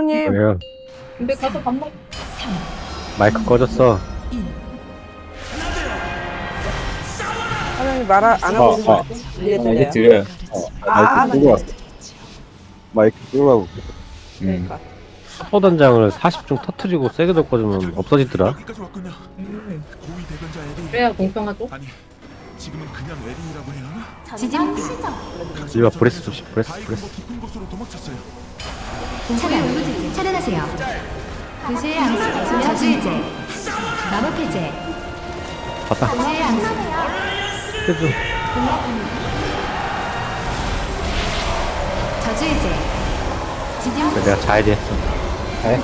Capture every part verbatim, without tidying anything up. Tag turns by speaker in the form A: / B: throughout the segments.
A: 사장님.
B: 왜요?
C: 근데 가서 밥 먹.
B: 마이크 꺼졌어.
A: 사장님 말 안
D: 아,
A: 하고 있는
D: 아.
A: 거 같아. 이제
D: 아, 이제
A: 들려요.
D: 들려요.
B: 어,
A: 아,
D: 마이크 끄고 왔어. 마이크 끄고 하고. 음.
A: 그러니까.
B: 포단장을 사십 중 터트리고 세게 덮어주면 없어지더라.
E: 여기까지 왔군요.
C: 음.
E: 고위 대변자 에리.
C: 그래야 공평하죠?
E: 아니, 지금은 그냥 에리라고 해야 하나?
F: 지진 시작.
B: 이봐 브레스 조심 브레스
E: 다이가
B: 브레스.
E: 뭐 깊은 곳으로 도망쳤어요.
F: 차량 울부짖지 차단하세요. 도시의 암수 저주의제 마법 해제
B: 봤다.
F: 도시의 암수
B: 해줘.
F: 저주의제 지진
B: 그래, 내가 자야지 했어.
D: 네?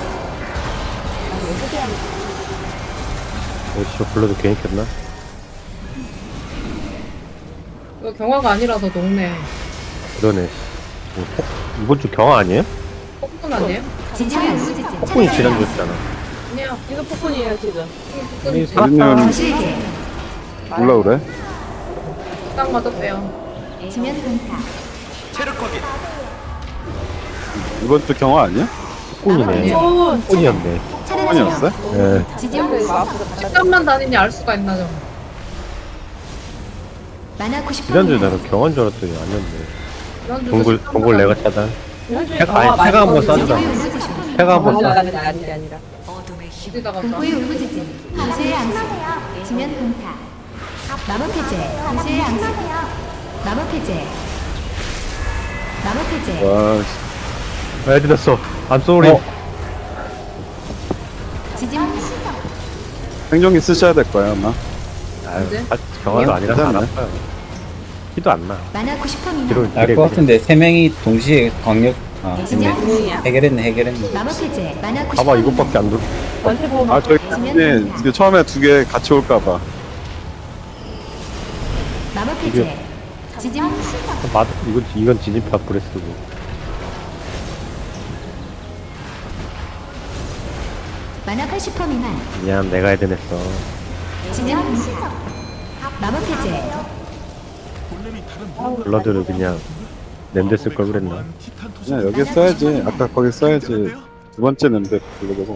B: 어디서 불러도 괜히 켰나?
C: 이거 경화가 아니라서 녹네.
B: 그러네. 뭐, 폭, 이번 주 경화 아니에요?
C: 폭군 아니에요?
F: 지진 울부짖지
B: 폭군이
F: 차단하세요.
B: 지난주였잖아.
C: 아니야.
A: 이거 폭군이에요 지금.
B: 우리
C: 폭군이지.
D: 사장님은
F: 저주의제
D: 몰라 그래?
C: 딱 맞았대요.
F: 지면 강타
D: 이번 주 경화 아니야?
B: 폭군이네. 폭군이었네.
D: 성원이었어요?
B: 예.
F: 지진
C: 식당만 다니니 알 수가 있나 좀.
F: 만화 구십
B: 지난주에 나는 경화인 줄 알았더니 아니었네.
C: 지난주도
B: 동굴,
C: 식당만
B: 동굴 내가
C: 다니니.
B: 차단. 해가, 아니, 해가 한번 쏴주자. 해가 한번 쏴.
A: 아니 아니 아니라.
C: 어디다가
F: 공포의 울부짖지 도시의 암수 지면 강타 마법 해제 도시의 암수 마법 해제 마법 해제
D: 와,
B: 왜 들었어? I'm sorry.
D: 어.
F: 지진
D: 생존기 쓰셔야 될 거야 아마.
B: 아유,
C: 언제?
B: 아, 경화도 아니라서 안
D: 괜찮네.
B: 아파요. 키도 안 나.
F: 만화 구십 퍼 미만
B: 뒤로
G: 알 것 같은데 세 명이 동시에 강력 아
F: 지진
G: 했네. 해결했네 해결했네.
F: 마법 해제 만화 구십
B: 봐봐 이것밖에 안 들어.
A: 전체 보면
D: 아 저기 네, 이게 처음에 두 개 같이 올까봐.
F: 마법 해제 지진
B: 맞 이건 이건 진입파 브레스고.
F: 만화 팔십 퍼 미만
B: 미안 내가 해야 되냈어.
F: 지진 강타 마법 해제
E: 본래는 다른
B: 블러드를 그냥 냄새 쓸 걸 그랬나?
E: 티탄 토스.
D: 그냥 여기 써야지. 아까 거기 써야지. 두 번째 는데 불러보고.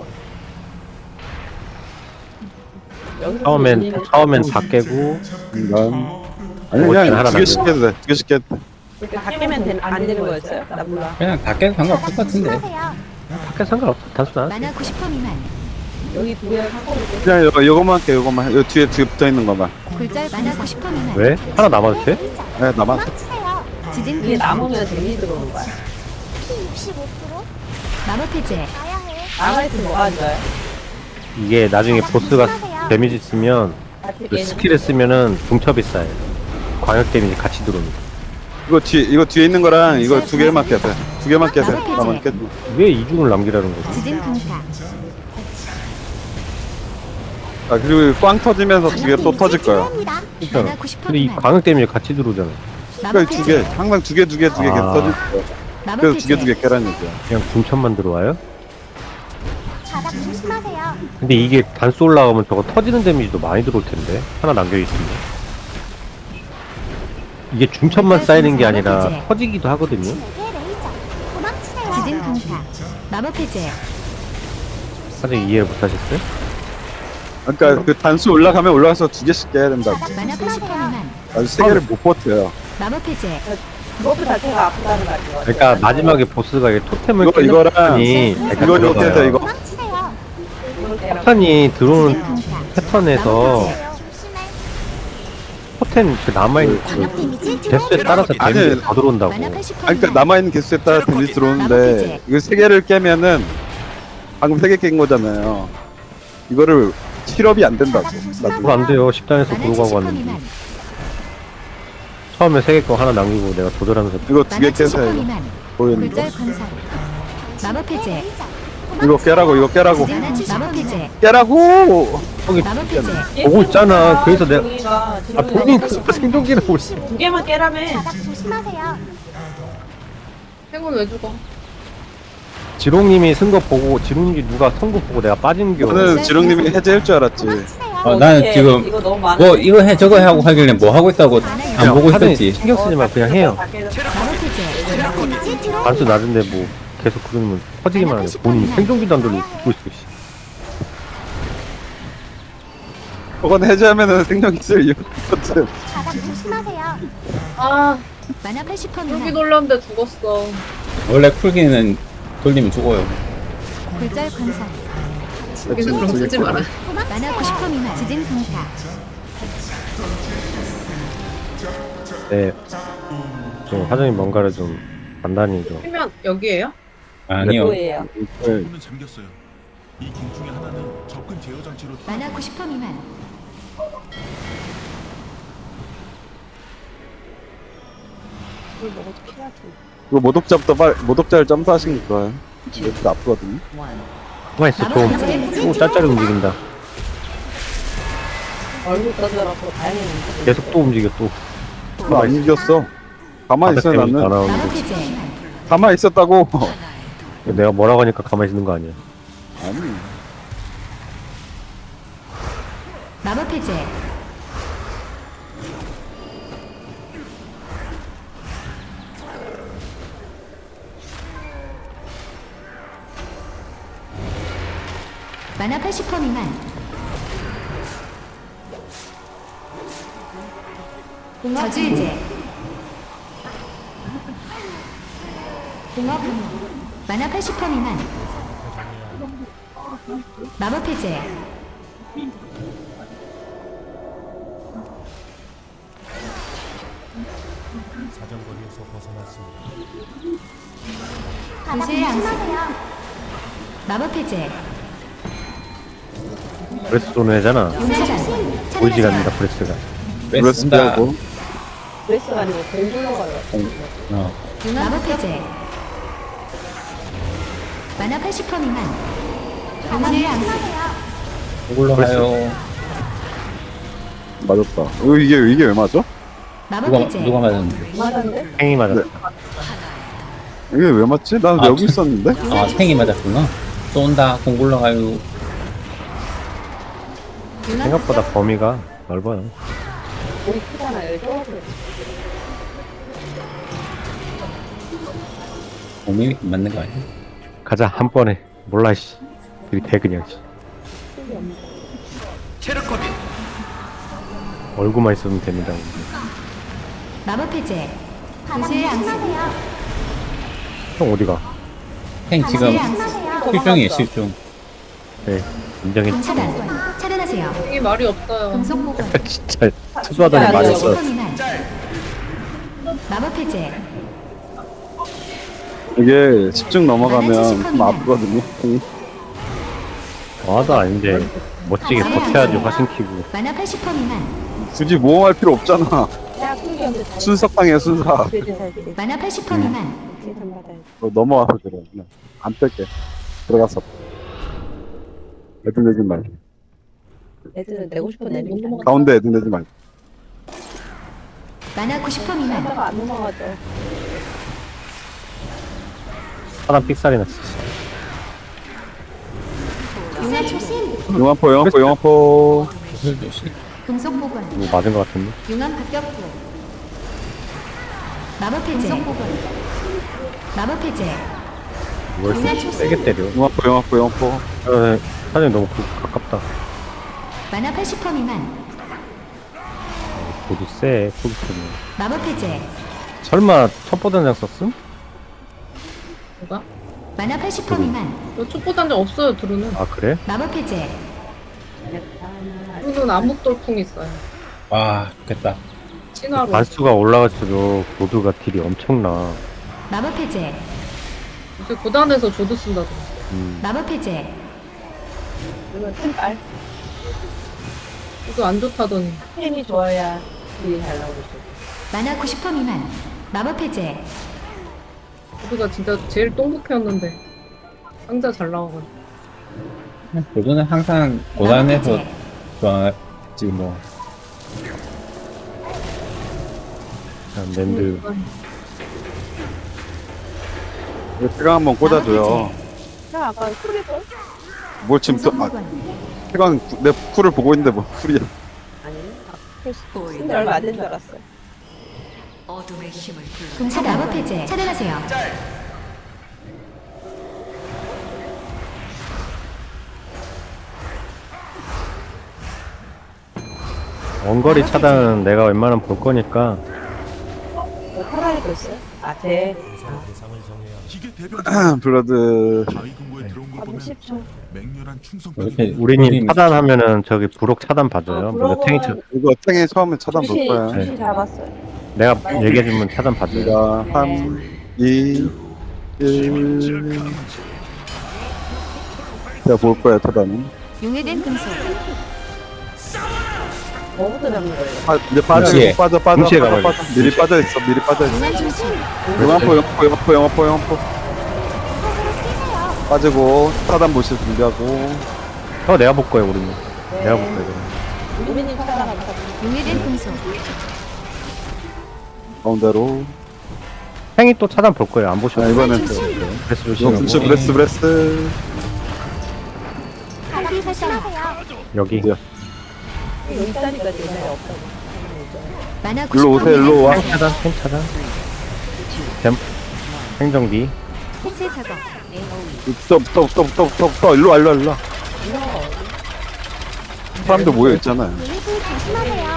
B: 처음엔 처음엔 다 깨고
D: 난 아니
B: 뭐
D: 그냥
B: 하나
D: 두 개씩
B: 남겨.
D: 해도 돼. 두 개씩 해도 돼.
A: 이렇게 다 깨면 되, 안 되는 거였어요? 나 몰라.
G: 그냥 다 깨도 상관없을 것 같은데.
B: 밖에 상관없어. 단순한.
F: 만화 구십 퍼 미만
A: 여기 두 개를 한꺼번에
D: 그냥 요거, 요거만 할게. 요거만. 요 뒤에 뒤에 붙어 있는 거만.
F: 굴절 만화 구십 퍼 미만
B: 왜? 하나 남아도 돼?
D: 네, 나만.
F: 지진
A: 이게
F: 강타
A: 남으면 데미지 들어오는 거야.
F: 마법 해제
A: 남아있으면 뭐가 좋아요?
B: 이게 나중에 보스가 데미지 쓰면 그 스킬을 쓰면은 중첩이 쌓여. 광역 데미지 같이 들어옵니다.
D: 이거 뒤 이거 뒤에 있는 거랑 이거 두 개만 깨도 돼. 두 개만 깨도 돼. 나만 깨도 돼.
B: 왜 이중을 남기라는 거지?
F: 지진 강타
D: 아 그리고 꽝 터지면서 두 개 또 터질 거야.
F: 만화 구십 퍼
B: 근데 이
F: 미만
B: 광역 데미지 같이 들어오잖아.
D: 그러니까
F: 마법
D: 두 개,
F: 해제
D: 항상 두 개, 두 개, 두 개 계속
B: 아.
D: 터질 거야.
F: 마법
D: 그래서 두 개, 두
F: 해제
D: 개 깨라는 얘기야.
B: 그냥 중첩만 들어와요? 근데 이게 단수 올라가면 저거 터지는 데미지도 많이 들어올 텐데 하나 남겨 있으면 이게 중첩만 쌓이는 게 아니라 터지기도 하거든요.
F: 지진 강타 마법 해제
B: 사실 이해를 못하셨어요?
D: 그러니까 그 단수 올라가면 올라가서 두 개씩 깨야 된다고.
F: 만화 팔십 퍼 미만
D: 아주 세 개를 못 버텨요.
F: 마법 해제
A: 그것도 자체가 아프다는 말이죠.
B: 그러니까 마지막에 보스가 이게 토템을
D: 이거-
B: 깨는
D: 이거랑
B: 패턴이
D: 이거 이렇게 해서 이거
B: 패턴이
F: 지진
B: 들어오는
F: 강타
B: 패턴에서 토템 그 남아있는 그 개수에 따라서
D: 아니,
B: 데미지가 더 들어온다고.
F: 만화 팔십 퍼
D: 아니 그러니까
F: 미만
D: 남아 있는 개수에 따라 데미지 들어오는데 이거 세 개를 깨면은 방금 세 개 깬 거잖아요. 이거를 실업이 안 된다고. 나도.
B: 그거 안 돼요. 십단에서
F: 만화
B: 구로 가고
F: 칠십 퍼
B: 왔는데
F: 미만
B: 처음에 세 개 거 하나 남기고 내가 조절하면서
D: 이거 두 개
F: 만화 칠십 퍼
D: 깨서
F: 미만
D: 보이는 거.
F: 굴절 관살 마법 해제
D: 이거 깨라고 이거 깨라고
F: 지진 마법 해제
D: 깨라고.
F: 마법 해제
B: 보고 있잖아. 그래서 내가
A: 종이가
B: 아 본인 그 생존기라고 있어.
A: 두 개만 깨라며.
C: 행운 왜 죽어?
B: 지롱님이 쓴 거 보고 지롱님이 누가 선거 보고 내가 빠진 겨.
D: 저는 지렁님이 해제할 줄 알았지.
G: 어, 나는
A: 어떡해.
G: 지금
A: 이거 너무 많아.
G: 뭐 이거 해 저거 해 하고 하길래 뭐 하고 있다고 안 보고
B: 하더니
G: 있었지.
B: 신경 쓰지 마 그냥 해요.
F: 마법 해제
B: 단수 낮은데 뭐 계속 그러면 퍼지기만 하네. 본인이 생존기도 안 돌리고 죽고 있어, 씨.
D: 그건 해제하면은 생명 있을 이유가 없거든.
H: 바닥 조심하세요.
C: 아
F: 만화 팔십 퍼센트
C: 여기
F: 미만.
C: 놀랐는데 죽었어.
G: 원래 쿨기는 돌리면 죽어요.
F: 굴절 광선.
C: 여기서 그럼 쓰지 마라.
F: 만화 구십 퍼센트 미만. 지진 강타.
B: 네. 좀 화장님 뭔가를 좀 단단히 좀.
C: 피면 여기에요?
G: 아니요.
A: 뭐예요?
D: 네.
E: 문은 잠겼어요. 이 길 중에 하나는 접근 제어 장치로
F: 만화 구십 퍼센트 미만.
A: 물 먹어도 피하지.
D: 이거 모독자부터 빨 모독자를 점사하신 거예요. 이것도 아프거든요.
B: 가만 있어, 좀. 오, 짤짤이 움직인다.
A: 얼굴 떠들어서 다행이는데.
B: 계속 또 움직여, 또.
D: 나 안 이겼어. 가만히 있어
B: 바닥 때문에 다
D: 나는.
F: 마법
B: 나오는데.
F: 해제.
D: 가만히 있었다고.
B: 내가 뭐라고 하니까 가만히 있는 거 아니야.
D: 아니.
F: 마법 해제. 만화 팔십 퍼센트 미만. 저주 이제. 만화 팔십 퍼센트 미만. 마법 해제.
H: 바닥
F: 구슬 양식.
H: 조심하세요.
F: 마법 해제.
B: 브레스 쏘는 애잖아.
F: 차단.
B: 보이지가
F: 차단하세요.
B: 않는다, 브레스가.
D: 브레스
G: 뺀다.
D: 빼고.
A: 브레스가 아니고 공 굴러가요.
G: 어.
F: 마법 해제. 만화 팔십 퍼센트 미만. 구슬 양식.
G: 이걸로 가요.
D: 맞았다. 어, 이게 이게 왜 맞아?
F: 마법
G: 누가
F: 해제.
G: 누가 맞았는데?
A: 맞았는데?
B: 행이 맞았어.
D: 이게 왜 맞지? 난
G: 아,
D: 여기
G: 저-
D: 있었는데.
G: 아 탱이 맞았구나. 쏜다. 공굴러 가요.
B: 생각보다 범위가 넓어요.
A: 몸이 크잖아요. 좁아서.
G: 몸이 맞는 거 아니야?
B: 가자, 한 번에. 몰라, 씨. 들이대, 그냥, 씨. 얼굴만 있으면 됩니다.
F: 마법 해제.
H: 바닥
F: 구슬 양식.
H: 조심하세요.
B: 형, 어디가?
G: 탱 지금
F: 구슬 양식.
G: 실종이에요 실종.
B: 네, 인정했지.
F: 차단. 차단하세요.
C: 이게 말이 없어요.
F: 금속 보건.
B: 진짜, 투수하더니
A: 진짜
B: 많이
A: 안
B: 했어.
F: 퍼센트 미만. 마법 해제.
D: 이게 십중 넘어가면 좀 아프거든요.
B: 와도 아닌데, 멋지게 버텨야지, 화신 키고.
F: 만화 팔십 퍼센트 미만.
D: 굳이 모험할 필요 없잖아.
A: 야, 풍기한테 잘.
D: 순삭당해 순삭.
A: 그래도 살지.
F: 만화 팔십 퍼센트 미만.
A: 세상 받아야지.
D: 너 넘어와서 그래. 그냥 안 뺄게. 들어갔어. 애들 내지 말고.
A: 애들은 내고 싶은 애들이 다
D: 가운데 애들 내지 말고.
F: 만화 구십 퍼센트 미만.
A: 하다가 안 넘어가죠.
B: 사람 삑살이 났어.
H: 구슬 조심.
D: 영화포 영화포 영화포.
G: 구슬 조심.
F: 금속 보건.
B: 이거 맞은 것 같은데?
F: 융합 급격부. 마법 해제. 금속 보건. 마법 해제.
B: 뭘 세- 세게 때려.
D: 영화포 영화포 영화포.
B: 어, 사장님 너무 그- 가깝다.
F: 만화 팔십 퍼센트 미만.
B: 모두 세, 포기스는.
F: 마법 해제.
B: 설마 첩보단장 썼음?
C: 뭐가?
F: 만화 팔십 퍼센트 미만.
C: 너 촉보단장 없어요. 드루는.
B: 아, 그래?
F: 마법 해제.
C: 드루는 암흑 돌풍 있어요.
G: 와 좋겠다.
C: 진화로.
B: 반수가 올라갈수록 모두가 딜이 엄청나.
F: 마법 해제.
C: 요새 고단에서 조드 쓴다더라.
B: 음,
F: 마법 해제.
A: 그러면 템빨.
C: 이거 안 좋다더니.
A: 템이 좋아야 딜이 잘 나오죠.
F: 만화 구십 퍼센트 미만. 마법 해제.
C: 조드가 진짜 제일 똥북했는데 상자 잘 나와가지고.
G: 저는 항상 고단에서 좋아했지 뭐.
B: 그냥 랜드.
D: 이거 태강 한번 꽂아줘요.
A: 야, 아까 소리했어?
D: 뭘 지금 또, 아, 태강 구- 내 쿨을 보고 있는데 뭐 쿨이야.
A: 아니, 근데 얼마 안 된 줄 알았어.
F: 차단. 마법 해제. 차단하세요.
B: 원거리 차단은 내가 웬만하면 볼 거니까
A: 뭐 팔아야 됐어요? 아, 제
E: 기계 대변
D: 블러드
E: 바위 금고에 들어온 걸 보면
A: 삼십 초.
E: 맹렬한 충성
G: 이렇게
B: 우리님
G: 우리님
B: 차단하면은 저기 부록 차단 봐줘요.
A: 아,
B: 내가 탱이 차,
D: 이거 탱이 처음에 차단 볼
A: 주시,
D: 거야.
A: 주시 잡았어요.
B: 내가 얘기해주면 차단 봐줘요.
D: 자, 삼, 이, 일. 제가 볼 거야, 차단은.
F: 용해된 금속.
A: 뭐부터 잡는 거예요?
D: 아, 이제 빠져,
G: 동시에.
D: 빠져, 빠져,
B: 동시에
D: 빠져,
B: 가봐요.
D: 빠져. 미리 빠져 있어, 미리 빠져 있어.
F: 용한 중심.
D: 영화포, 영화포, 영화포, 영화포, 영화포. 빠지고, 차단 보실 준비하고.
B: 어 내가 볼 거예요 우리님. 내가 볼 거예요.
A: 유민님 찾아가면
F: 용해된 금속.
D: 가운데로.
B: 탱이 또 차단 볼 거예요. 안 보셔도
D: 아, 이번엔 또.
B: 그래서
D: 이거
B: 조심하고
D: 근처 브레스, 브레스.
H: 바닥 조심하세요.
B: 여기
D: 어디야?
A: 여기 있다니까 지금 없다고.
F: 만화
D: 일로 오세요, 일로 와.
B: 탱 차단, 탱 차단. 댐 행정기.
F: 해체 작업.
D: 붙어, 붙어, 붙어, 붙어, 붙어, 붙어. 일로 와, 일로 와, 일로 와. 사람들 모여 있잖아요.
H: 유닛을 조심하세요.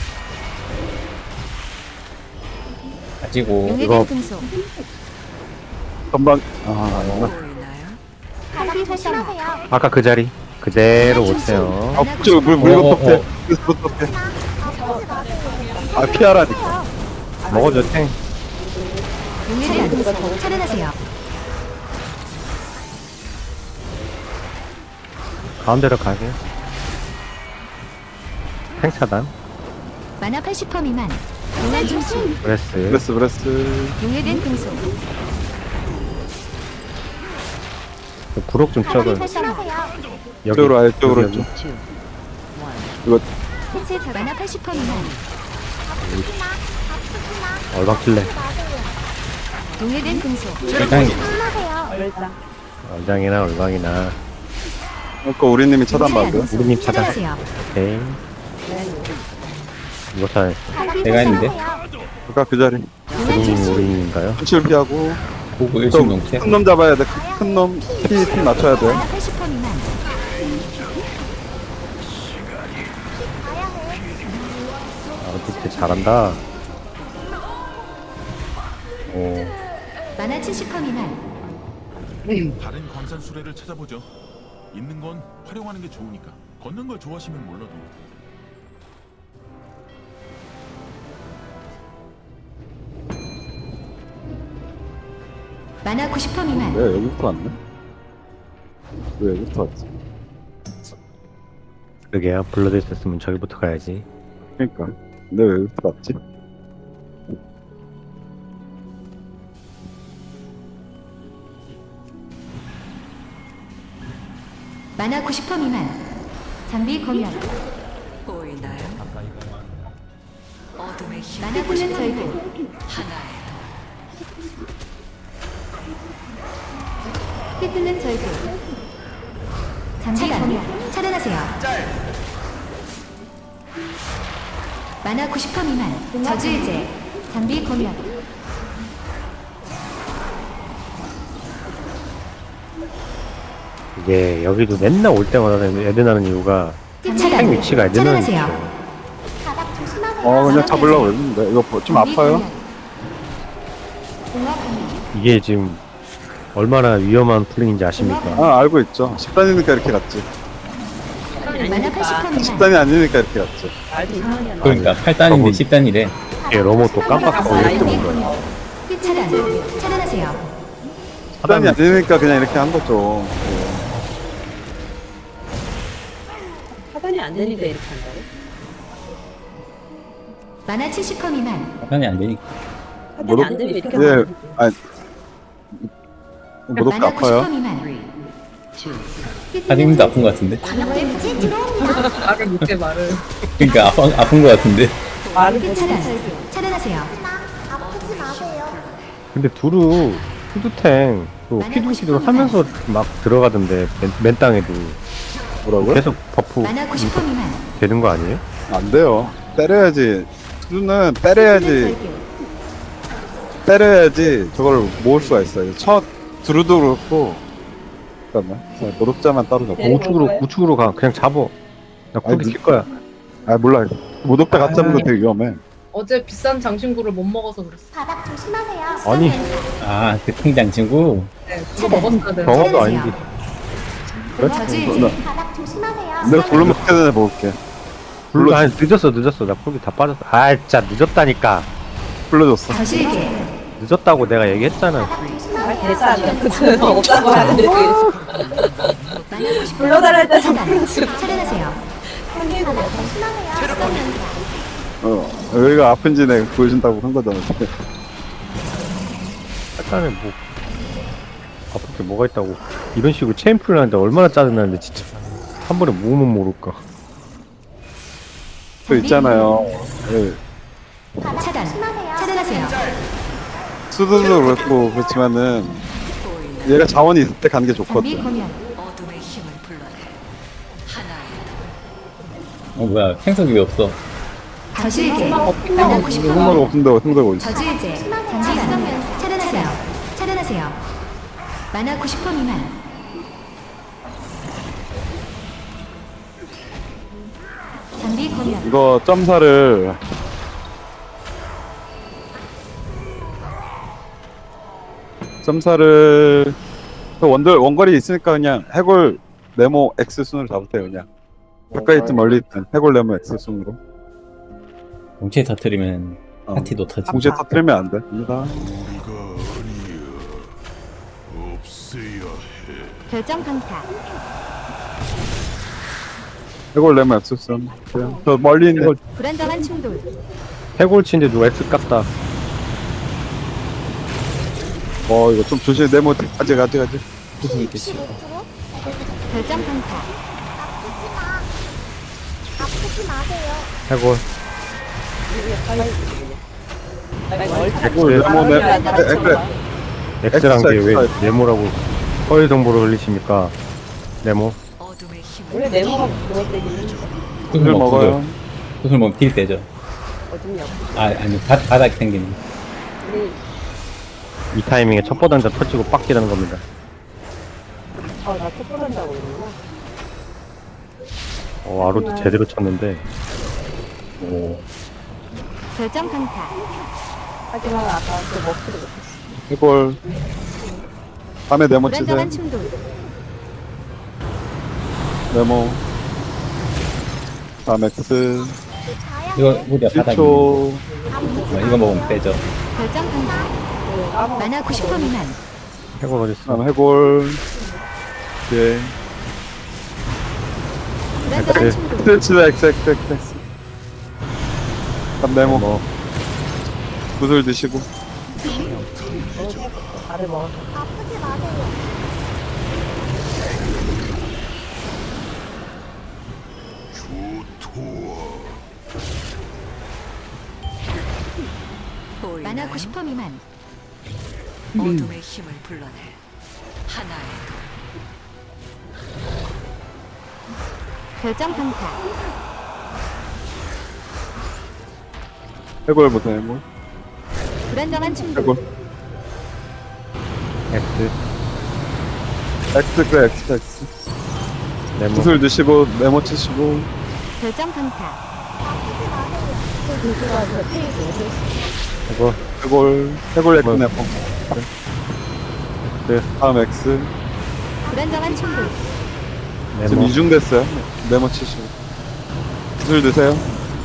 G: 가지고
B: 이거-
F: 용해된 금속.
D: 전방, 아,
H: 바닥 조심하세요.
B: 아까 그 자리 그대로 오세요.
D: 아, 저 물, 물
G: 어, 어,
D: 덮대.
G: 어.
D: 물 덮대. 아, 피하라니까.
B: 먹어줘 탱.
F: 용해된 금속. 차단하세요.
B: 가운데로 가게. 탱 차단.
F: 만화 팔십 퍼센트 미만. 용한 중심.
B: 브레스.
D: 브레스, 브레스.
F: 용해된 금속.
B: 부록 좀
H: 바닥
B: 쳐줘요.
H: 조심하세요.
B: 여기.
D: 이쪽으로 와, 이쪽으로
B: 여기,
D: 좀.
B: 여기.
F: 해체 작업. 만화 팔십 퍼센트 미만.
H: 아프지 마. 아프지 마.
B: 얼박킬래.
F: 용해된 금속.
G: 일단
H: 조심하세요.
A: 얼짱.
B: 얼장이나 얼방이나
D: 아까 우리님이 차단
F: 용해된
D: 받아요.
F: 금속.
B: 우리님 차단.
F: 차단하세요.
B: 오케이. 이거 차단했어.
H: 바닥
G: 내가 했는데?
H: 조심하세요.
D: 아까 그 자리.
F: 용한
B: 우리님
F: 중심.
B: 우리님인가요?
D: 현실 피하고.
G: 보고 일심 넘게.
D: 큰 놈 잡아야 돼. 큰 놈, 피, 피 맞춰야 돼.
F: 만화 팔십 퍼센트 미만.
H: 가야 해.
B: 아 진짜 잘한다. 오.
F: 만화 칠십 퍼센트 미만.
E: 다른 광산 수레를 찾아보죠. 있는 건 활용하는 게 좋으니까. 걷는 걸 좋아하시면 몰라도
F: 만화 구십 퍼센트 미만.
D: 왜 여기부터 왔네? 왜 여기부터 왔지?
B: 그게요. 블러드 있었으면 저기부터 가야지.
D: 그니까. 근데 왜 여기부터 왔지?
F: 만화 구십 퍼센트 미만. 장비 검열.
I: 보이나요? 어둠의 힘
F: 만화 구십 퍼센트 절구.
I: 하나에
F: 휘둘른 절구. 장비 검열. 차단하세요. 만화 구십 퍼센트 미만. 저주의제. 장비 검열.
B: 이게 여기도 맨날 올 때마다 애드나는 이유가 탱
F: 차단.
B: 위치가 애드나는
F: 차단하세요.
B: 위치예요.
H: 바닥 조심하세요.
D: 어, 그냥 잡으려고 했는데. 이거 뭐- 좀 아파요?
F: 공화 검열.
B: 이게 지금 얼마나 위험한 플랜인지 아십니까?
D: 아, 알고 있죠. 십 단이니까 이렇게 갔지.
F: 만화 팔십 퍼센트 미만.
D: 십 단이 아니니까 이렇게 갔지.
A: 말도 이상하게 안
G: 그러니까 팔 단인데 십 단이래.
B: 이게 로모 또 깜빡하고 이렇게 온 거야.
F: 휘 차단. 차단하세요.
D: 십 단이 아니니까 그냥 이렇게 한 거죠.
A: 차단이 안 되니까 이렇게 한다고?
F: 만화 칠십 퍼센트 미만.
G: 팔 단이 안 되니까.
A: 차단이 안 되면 이렇게
D: 예,
A: 하면
D: 아니. 무릎
F: 만화 구십
D: 아파요?
F: 퍼센트 미만.
G: 사장님도 아픈 것 같은데.
H: 데미지 들어옵니다.
C: 말을 못해 말을.
G: 그러니까 아파, 아픈 것 같은데.
A: 말을
F: 휘
A: 못
F: 차단. 차단하세요.
H: 아프지 마세요.
B: 근데 두루 푸드탱 또 피두시도 하면서 막 들어가던데 맨, 맨 땅에도
D: 뭐라고요?
B: 계속 버프
F: 만화 구십 퍼센트 미만.
B: 되는 거 아니에요?
D: 안 돼요. 때려야지. 수는 때려야지. 때려야지 저걸 모을 수가 있어요. 첫 두루도 그렇고. 잠깐만. 자, 노력자만 따로 잡고.
B: 우측으로 우측으로 가. 그냥 잡어. 나
D: 아니,
B: 쿨이 킬 거야.
D: 아, 몰라. 모독대 같이 잡는 거 되게 위험해.
C: 어제 비싼 장신구를 못 먹어서 그랬어.
H: 바닥 조심하세요.
B: 아니
G: 아, 그 탱장 친구.
C: 네, 그거 먹었어야 돼.
B: 경험도 아닌데.
F: 저주의
D: 나,
F: 제
H: 바닥 조심하세요.
D: 내가 불러면 전에 먹을게.
B: 불러 아니 늦었어 늦었어 나 콜기 다 빠졌어. 아 진짜 늦었다니까.
D: 불러줬어.
F: 저주의 제
B: 늦었다고 내가 얘기했잖아.
H: 바닥
A: 아,
H: 조심하세요.
A: 대사는 없다고 하는데 왜
F: 만나고 싶어
A: 불러달랄 때
F: 차단 차단하세요.
H: 바닥 조심하세요.
D: 어, 여기가 아픈지 내가 보여준다고 한 거잖아.
B: 약간의 뭐 아플 게 뭐가 있다고 이런 식으로 체인풀을 하는데 얼마나 짜증나는데 진짜 한 번에 모으면 모를까.
D: 저 있잖아요. 예,
H: 바닥
F: 차단
H: 조심하세요.
F: 차단하세요.
D: 수두도 그렇고 그렇지만은 얘가 자원이 있을 때 가는 게
F: 장비
D: 좋거든.
F: 공연
I: 어둠의 힘을 불러내. 하나의
G: 어, 뭐야. 생석이 왜 없어?
F: 저주의 제 만나고
D: 생각
F: 싶어
D: 없는데 생각 어디 있어?
F: 저주의 제 장비 공연 차단하세요. 차단하세요. 만화 구십 퍼센트 미만 장비 공연
D: 이거 점사를 점사를 그 원들 원거리 있으니까 그냥 해골 네모 X 순으로 잡으세요 그냥. 가까이 있든 멀리 있든 해골 네모 X 순으로.
G: 동시에 터트리면
D: 어.
G: 파티도 터지.
D: 동시에 터뜨리면 안 됩니다.
F: 결정 강타
D: 해골 네모 X 순. 그냥 저 멀리 있는
F: 불안정한 충돌
B: 해골치인데 누가 X 깠다.
D: 어 이거 좀 조심해 네모 아직 아직 아직.
F: 결정 강타
H: 아프지 마세요.
B: 해골
D: 해골 네모 네 X
B: X란 게 왜
D: X.
B: 네모라고 허위 정보를 흘리십니까? 네모
I: 어둠의 힘을
A: 원래 네모가 그거 되긴
D: 구슬 먹어요.
G: 구슬 먹으면 딜 세죠.
A: 어둠이 없어.
G: 아, 아니, 바, 바닥이 생기는.
A: 우리
B: 이 타이밍에 첩보 단자 터지고 빡기라는 겁니다.
A: 아나 톱보단다고 그러구나.
B: 어 아로도 제대로 쳤는데
G: 오.
F: 결정 강타
A: 하지만 아까 그 먹지도 못했어.
D: 해골 밤에 네모 치세요.
F: 불안정한 충돌
D: 네모 밤 X
G: 이거, 우리가 바닥이.
D: 일 초
G: 뭐, 이거 먹으면 빼죠.
F: 결정 강타 만화 구십 퍼센트 미만
B: 해골 어딨어?
D: 다음 해골 예
F: 불안정한
B: 네.
F: 충돌
D: 스트레치다 X X X X 밤 네모
B: 뭐
D: 구슬 드시고
A: 다들 먹었어.
H: 아프지 마세요.
I: 보이나요?
F: 만화 구십 퍼센트 미만
I: 어둠의 힘을 불러내. 하나의
F: 결정 강타
D: 해골 보세요 해골
F: 불안정한 충돌
D: 해골
B: X
D: X X X X
B: 네모
D: 구슬 드시고 네모 치시고
F: 결정 강타
B: 해골
D: 해골 해골 X
B: 뭐.
D: 네모
B: 네.
D: 다음 X
F: 불안정한 충돌
D: 지금
B: 네모
D: 이중 됐어요 네모 치시고 구슬 드세요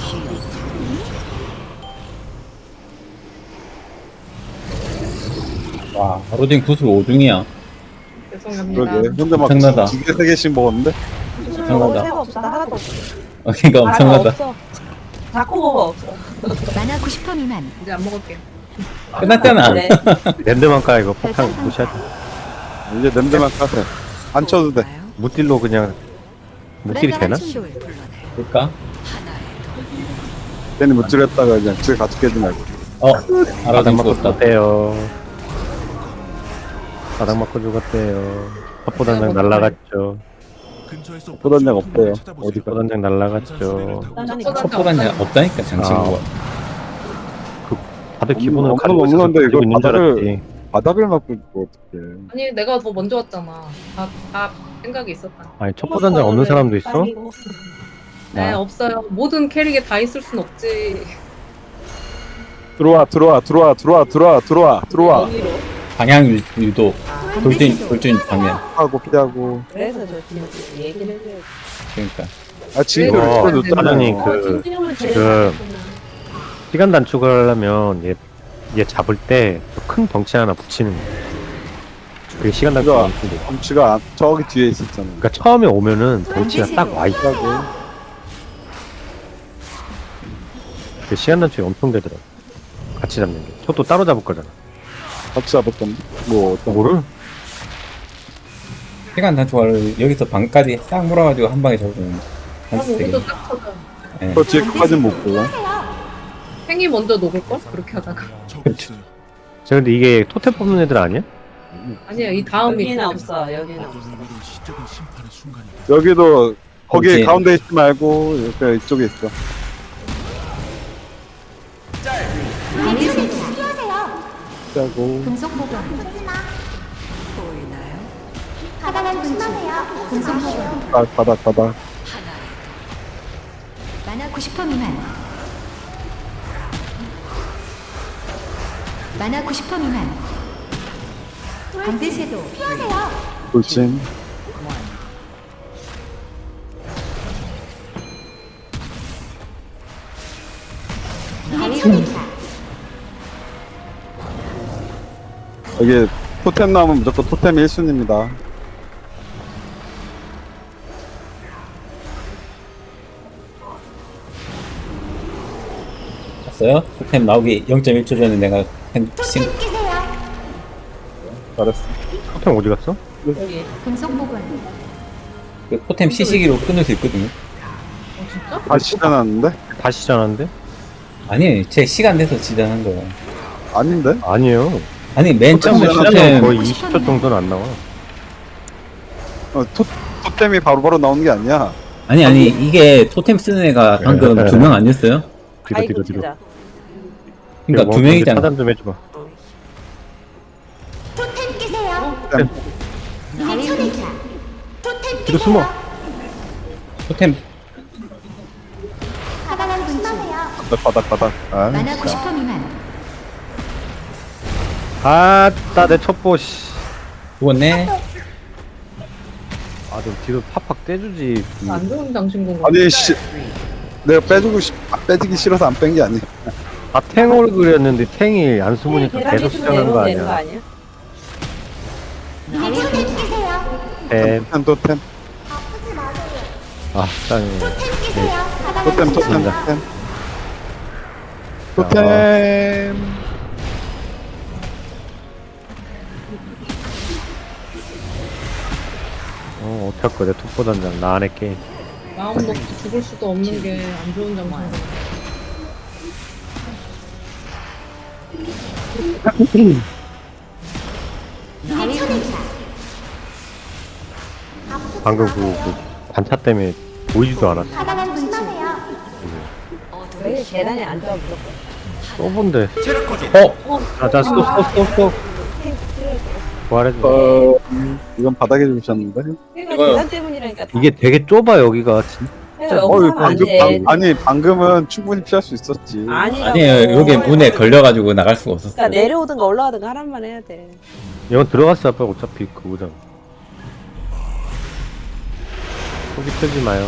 G: 와, 로딩 구슬 오 중이야.
C: 죄송합니다.
D: 그러게 현재 막
G: 엄청나다.
D: 두 개 세 개씩 먹었는데
G: 엄청나다.
A: 새가 없어. 나 하나도 없어.
G: 어, 이거
A: 아, 나
G: 엄청나다.
A: 없어. 자코보가 없어.
F: 만화 구십 퍼센트 미만
C: 이제 안 먹을게요.
G: 끝났잖아.
A: 네.
B: 랜드만 까 이거 폭탄 무시하지.
D: 이제 냄새만 까세요 안 쳐도 돼
I: 보이나요?
B: 무딜로 그냥 무딜이 되나?
F: 불안정한 충돌
I: 힘을 불러내.
G: 볼까?
I: 하나의
D: 괜히 무찔했다가 그냥 집에 같이 깨지 말고
G: 어,
B: 바닥
G: 알아듣고
B: 맞고
G: 죽었다.
B: 죽었대요. 바닥 맞고 죽었대요. 첩보단장 날라갔죠.
E: 근처에서
D: 보단장 없대요.
E: 찾아보세요.
D: 어디가?
B: 첩보단장 날라갔죠.
G: 첩보단자 없다니까, 장친구가.
B: 다들 기본으로
D: 없는-
B: 가지고
D: 없는
B: 있어서
D: 건데
B: 가지고
D: 이거
B: 있는 줄
D: 바닥을-
B: 알았지.
D: 바닥을 맞고 있고 어떡해
C: 아니 내가 더 먼저 왔잖아. 다, 다 생각이 있었다.
B: 아니 첩보단장 없는 사람도 있어?
A: 빨리고.
C: 네,
G: 아.
C: 없어요. 모든 캐릭에 다 있을 순 없지.
D: 들어와 들어와 들어와 들어와 들어와 들어와 들어와.
A: 여기로.
G: 방향 유- 유도. 돌진, 돌진 방향.
D: 하고 피하고.
A: 그래서 저 지금 얘기를 해줘요.
G: 그러니까.
D: 아 지금도
B: 이거
D: 풀어줬잖아요.
B: 사장님 그 지금 시간 단축을 하려면 얘, 얘 잡을 때 큰 덩치 하나 붙이는 거야. 그게 시간 단축이
D: 그거
B: 엄청 돼.
D: 덩치가 안- 저기 뒤에 있었잖아요.
B: 그러니까 처음에 오면은 덩치가 딱 와 있어. 그 시간 단축이 엄청 되더라고. 같이 잡는 게. 저도 따로 잡을 거잖아.
D: 같이 잡았던 뭐 어떤 거.
B: 뭐를?
G: 시간 단축을 여기서 방까지 싹 몰아가지고 한 방에 잡으면
C: 그럼
G: 한수 되게.
C: 우리도 딱 터져.
G: 예.
D: 저 뒤에 끝까지는 못 보고.
C: 행이 먼저 녹을걸? 그렇게 하다가.
E: 저기 있어요.
B: 저 근데 이게 토템 뽑는 애들 아니야?
C: 아니야, 이 다음이.
A: 여기는 없어. 여기는 없어.
E: 모든 일은 시적인 심판의 순간이다.
D: 여기도 거기
G: 그렇지.
D: 가운데 있지 말고 이렇게 이쪽에 있어.
H: 피하세요.
D: 피하고.
F: 금속 보관.
I: 보이나요?
H: 바닥은 조심하세요.
F: 금속 보관.
D: 바닥 바닥 바닥.
I: 하나의
F: 만화 구십 퍼센트 미만. 만화 구십 퍼센트 미만. 강제 섀도.
H: 피하세요.
D: 돌진.
F: 대천이다.
D: 여기 토템 나오면 무조건 토템이 일 순위입니다.
G: 봤어요? 토템 나오기 영 점 일 초 전에 내가 한 신,
H: 토템 끼세요.
D: 잘했어.
B: 토템 어디 갔어?
A: 여기.
F: 금속 보관.
G: 그 토템 시시기로 끊을 수 있거든요.
C: 어, 진짜?
D: 다시 시전하는데?
B: 다시 전화인데?
G: 아니, 제 시간 돼서 지정한 거예요.
D: 아닌데?
B: 아니에요.
G: 아니, 맨 처음에
D: 토템
B: 시간은
G: 토템,
B: 거의 이십 초 정도는 안 나와.
D: 어, 토, 토템이 바로바로 나오는 게 아니야.
G: 아니, 아니, 이게 토템 쓰는 애가 방금 두 명 아니었어요?
B: 뒤로
A: 아이고
B: 뒤로 뒤로.
A: 진짜.
G: 그러니까 두 명이잖아.
B: 차단 좀 해줘봐.
H: 토템 끼세요.
D: 토템.
H: 대천이다. 토템
B: 뒤로
H: 끼세요.
B: 숨어.
G: 토템,
H: 바닥은 조심하세요.
D: 바닥 바닥 바닥. 아,
F: 만화 구십 퍼센트 미만.
B: 아따 내 첩보 씨.
G: 죽었네?
B: 아 좀 뒤로 팍팍 떼주지.
C: 안 좋은 장신구.
D: 아니 씨. 내가 빼주고 싶, 아, 빼주기 싫어서 안 뺀 게 아니야.
B: 아 탱을 그렸는데 탱이 안 숨으니까
A: 계란
B: 계속
A: 밑으로
B: 시전하는 거
A: 내려오면 되는 거
B: 아니야?
A: 아니야?
H: 토템 끼세요.
B: 템.
D: 토템 토템
H: 아프지 마세요.
B: 아 짱이.
H: 토템 끼세요. 바닥은
D: 토템 토템
H: 조심하세요.
D: 토템. 토템.
B: 어 어떡할 거야 내 톱보단장 나 안 할게.
C: 마음 놓고 죽을 수도 없는 게 안 좋은 장신구.
H: 대천이다.
B: 방금 그, 그 반차 때문에 보이지도 않았어.
H: 바닥은 조심하세요.
A: 여기 계단에 앉아 무조건.
B: 쏘본데.
G: 어?
B: 자자 스톱 스톱 스톱 스톱. 부활해줘.
D: 어, 이건 바닥에 주셨는데.
A: 그러니까
G: 이거요.
A: 계단 때문이라니까.
B: 이게 되게 좁아 여기가. 진짜.
A: 진짜
D: 어이
A: 여기
D: 방금
A: 안 돼.
D: 방, 아니 방금은 충분히 피할 수 있었지.
A: 아니라고.
G: 아니에요. 여기 문에 걸려가지고 나갈 수가
A: 그러니까
G: 없었어요.
A: 내려오든가 올라가든가 하란만 해야 돼.
B: 이건 들어갔어 아빠 어차피 그거잖아. 속이 펴지 마요.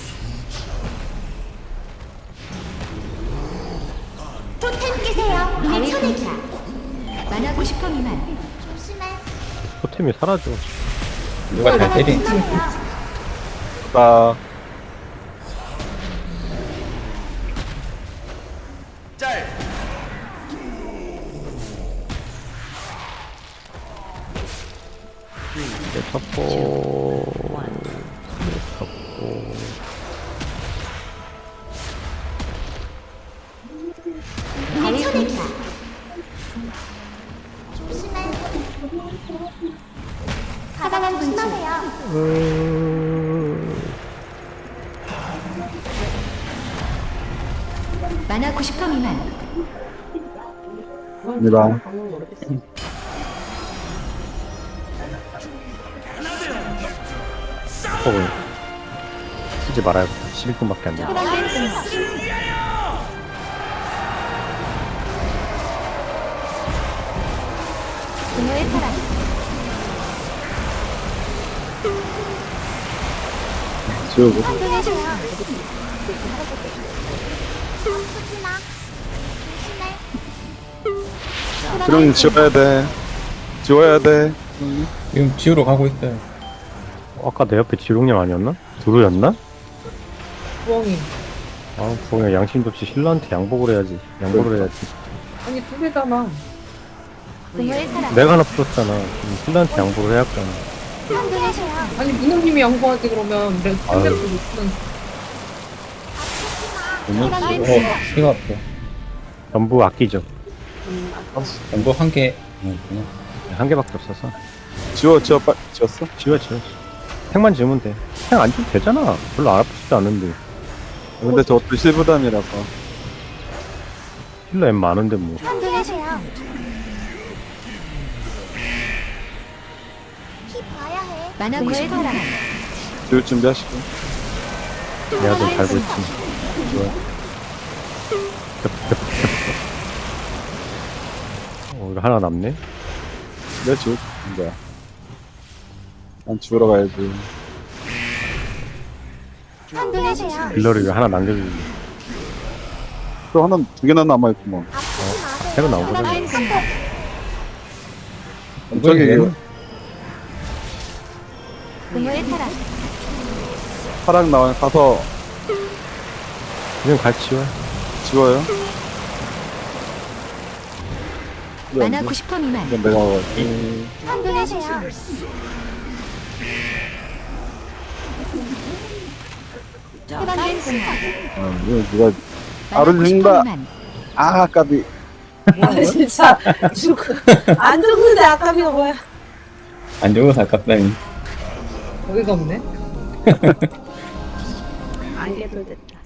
H: 토템 끼세요. 대천이다.
F: 만화 구십 퍼센트 미만.
H: 조심해.
B: 토템이 사라져.
G: 누가 잘 때린.
D: 나
B: 내 첩보. 내 첩보.
H: 대천이다. 조심해. 바닥은 조심하세요.
B: 음...
F: 만화 구십 퍼센트 미만.
D: 입니다.
A: 방금 모르겠어.
B: 어, 쓰지 말아야겠다. 십일 분밖에 안 돼.
H: 해방된 분노. 분노의 파란.
D: 지우고.
H: 환경해줘요. 아프지마. 조심해.
D: 지렁이 지워야 돼. 지워야 돼.
G: 지금 지우러 가고 있어요.
B: 어, 아까 내 옆에 지룡님 아니었나? 두루였나?
C: 부엉이.
B: 아, 부엉이 양심도 없이 신라한테 양복을 해야지. 양보를 해야지.
C: 아니 두 개잖아.
H: 분노의 파란.
B: 내가 하나 풀었잖아. 그럼 신라한테 양보를 해야 할거 아니야.
H: 환경해줘요.
C: 아니 문호님이 양보하지 그러면 내가
B: 아유.
C: 상대도 못쓰는.
H: 해방된
G: 어,
H: 분노.
G: 이거 아파.
B: 전부 아끼죠.
G: 전부 한 개. 음, 그냥.
B: 한 개밖에 없어서.
D: 지워, 지워, 빨리. 지웠어?
B: 지워, 지워. 택만 지우면 돼. 택 안 지우면 되잖아. 별로 안 아프지도 않은데.
D: 근데 저것도 실부담이라서.
B: 힐러 엠 많은데 뭐.
H: 환경해줘요. 피 봐야 해.
F: 만화 구십 분 미만.
D: 지울 준비하시고.
B: 내가 좀 달고 있지. 좋아. 어, 이거 하나 남네?
D: 내 지울 거야. 난 지우러 가야지.
H: 환경해줘요.
B: 딜러를 이거 하나 남겨주지.
D: 또 하나, 두 개나 남아있구먼.
H: 아프지 마세요.
B: 새로 나온 거잖아.
H: 해방된 분노.
D: 엄청이
G: 얘는
H: 분노의 파란.
D: 파랑 나와 가서
B: 그냥 같이 지워.
D: 지워요.
F: 만화 구십 분 미만.
D: 이건 내가 먹었지.
H: 환경해줘요. 해방된 분노.
D: 어, 이거 누가
F: 만화
D: 알을
F: 구십 분
D: 죽는다.
F: 미만.
D: 아, 까비.
A: 아, 진짜 죽. 안 죽는데 아까비가 뭐야?
G: 안 죽어서 아깝다니.
C: 어이가 없네.
A: 알게 돌됐다.